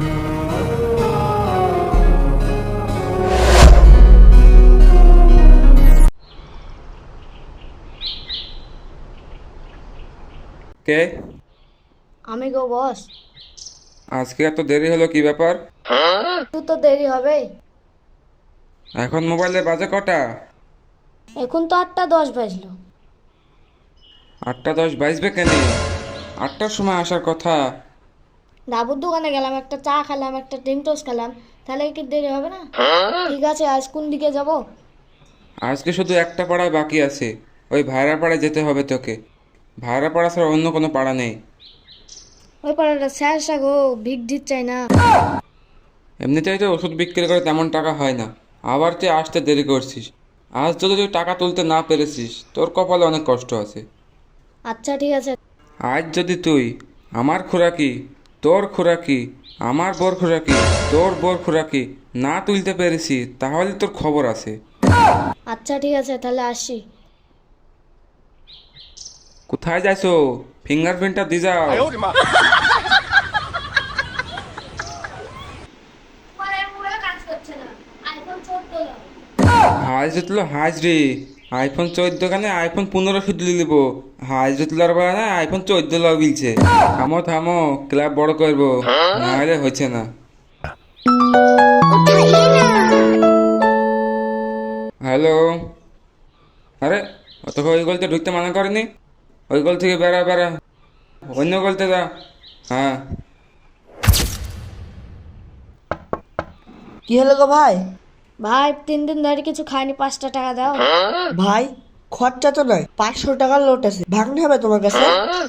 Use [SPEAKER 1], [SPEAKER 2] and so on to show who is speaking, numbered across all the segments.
[SPEAKER 1] কে?
[SPEAKER 2] আমি গো বস।
[SPEAKER 1] আজকে এত দেরি হলো, কি ব্যাপার?
[SPEAKER 2] একটু তো দেরি হবে।
[SPEAKER 1] এখন মোবাইলে বাজে কটা?
[SPEAKER 2] এখন তো 8টা 10 বাজলো।
[SPEAKER 1] 8টা 10 বাজবে কেন? 8টার সময় আসার কথা।
[SPEAKER 2] ডাবুর দোকানে গেলাম, একটা চা খেলাম, একটা ডিম টোস্ট খেলাম, তাহলে কি দেরি হবে না? ঠিক আছে, আজ কোন দিকে যাব?
[SPEAKER 1] আজকে শুধু একটা পাড়ায় বাকি আছে, ওই ভাইরা পাড়ায় যেতে হবে তোকে। ভাইরা পাড়া ছাড়া অন্য কোনো পাড়া নেই।
[SPEAKER 2] ওই পাড়াটা শেষ গো, ভিক দিত চাই না।
[SPEAKER 1] এমনিতেই তো ওষুধ বিক্রি করে তেমন টাকা হয় না, আবার তুই আসতে দেরি করছিস। আজ যদি তুই টাকা তুলতে না পেরেছিস, তোর কপালে অনেক কষ্ট আছে।
[SPEAKER 2] আচ্ছা ঠিক আছে।
[SPEAKER 1] আজ যদি তুই আমার খোরাকি, তোর খোরাকি, আমার বোর খোরাকি, তোর বোর খোরাকি না তুলতে পেরেছি, তাহলে তোর খবর আছে।
[SPEAKER 2] আচ্ছা ঠিক আছে, তাহলে আসি।
[SPEAKER 1] কোথায় যাইছো? ফিঙ্গারপ্রিন্টটা দিয়ে যাও। হাজ জুতলো হাজ রে। iPhone 14 কানে iPhone 15 শুধু নিব। হাজ জুতলার বেলা না iPhone 14 লাও বিলছে। থামো থামো, ক্লাব বড় করবো, নাহলে হচ্ছে না। হ্যালো। আরে তোকে ওই গলতে ঢুকতে মানা করেনি? ওই গল থেকে বেড়া বেড়া, অন্য গলতে যা। হ্যাঁ।
[SPEAKER 3] কি হলো গো ভাই?
[SPEAKER 2] ভাই 3 দিন ধরে কিছু খাইনি, 5টা টাকা দাও।
[SPEAKER 3] ভাই খরচা তো নয়, 500 টাকার লোট আছে, ভাঙতে হবে তোমার কাছে।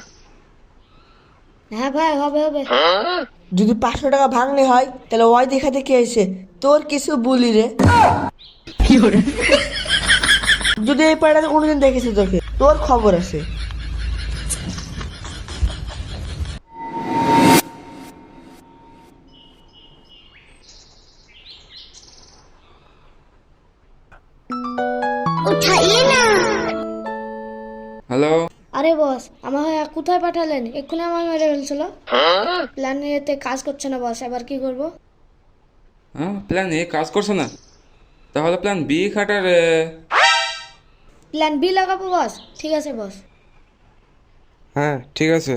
[SPEAKER 2] হ্যাঁ ভাই, হবে হবে।
[SPEAKER 3] যদি 500 টাকা ভাঙলে হয় তাহলে ওই দেখা দেখে এসে তোর কিছু বলি রে। যদি এই পাড়াতে কোনোদিন দেখেছি তোকে, তোর খবর আছে।
[SPEAKER 1] হ্যালো।
[SPEAKER 2] আরে বস, আমার কোথায় পাঠালেন? এক্ষুনি আমার মেরে ফেলছিল। প্ল্যান এতে কাজ করছে না বস, এবার কি করব?
[SPEAKER 1] হ্যাঁ, প্ল্যান এ কাজ করছে না, তাহলে প্ল্যান বি খাটার।
[SPEAKER 2] প্ল্যান বি লাগাবো বস। ঠিক আছে বস।
[SPEAKER 1] হ্যাঁ ঠিক আছে।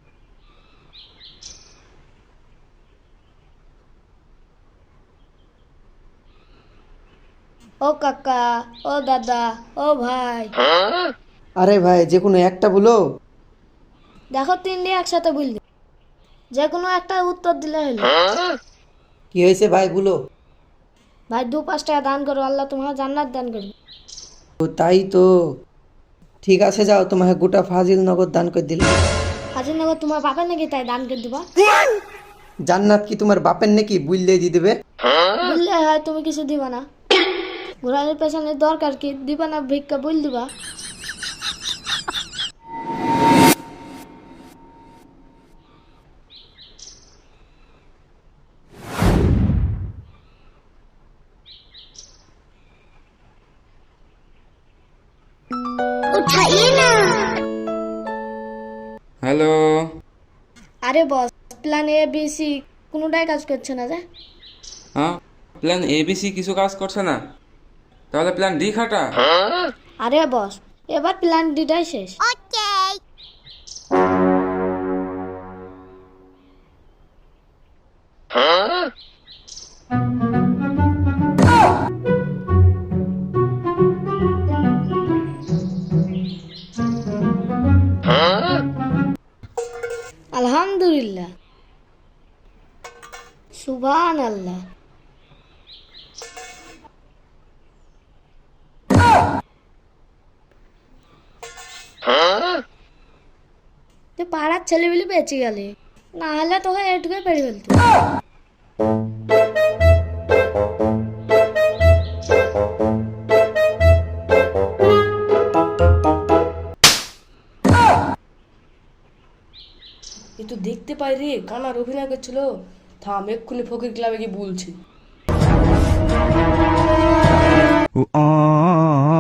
[SPEAKER 2] ও কাকা, ও দাদা, ও ভাই,
[SPEAKER 3] আরে ভাই যে কোনো একটা বলো।
[SPEAKER 2] দেখো 3 দিয়ে একসাথে বললি, যে কোনো একটা উত্তর দিলে হলো।
[SPEAKER 3] কি হয়েছে ভাই বলো।
[SPEAKER 2] ভাই 2-5 টাকা দান করো, আল্লাহ তোমার জান্নাত দান করবে।
[SPEAKER 3] ও তাই তো, ঠিক আছে যাও, তোমাকে গোটা ফাজিল নগদ দান করে দিলাম।
[SPEAKER 2] হাজিরনগর তোমার বাপের নাকি, তাই দান করে দিবা?
[SPEAKER 3] জান্নাত কি তোমার বাপের নাকি, বুঝলে দিয়ে দেবে।
[SPEAKER 2] বললে হয় তুমি কিছু দিবা না? ঘোরানোর পেছনে দরকার কি, দিবা না ভিক্ষা বল দিবা?
[SPEAKER 1] হ্যালো।
[SPEAKER 2] আরে boss, plan A B C কোনোটাই কাজ করছে না যে।
[SPEAKER 1] হ্যাঁ, প্ল্যান এ বি সি কিছু কাজ করছে না, তাহলে প্ল্যান ডি খাটা।
[SPEAKER 2] আরে বস, এবার প্ল্যান ডিটাই শেষ। আলহামদুলিল্লাহ, সুবহান আল্লাহ। তুই পাড়ার ছেলেগুলি বেঁচে গেলে, না হলে তোকে এটুকুই পেরে ফেলতো।
[SPEAKER 4] এ তো দেখতে পাই রে, কানার অভিনয় করছিল। থাম, এক্ষুনি ফকির ক্লাবে গিয়ে বলছি।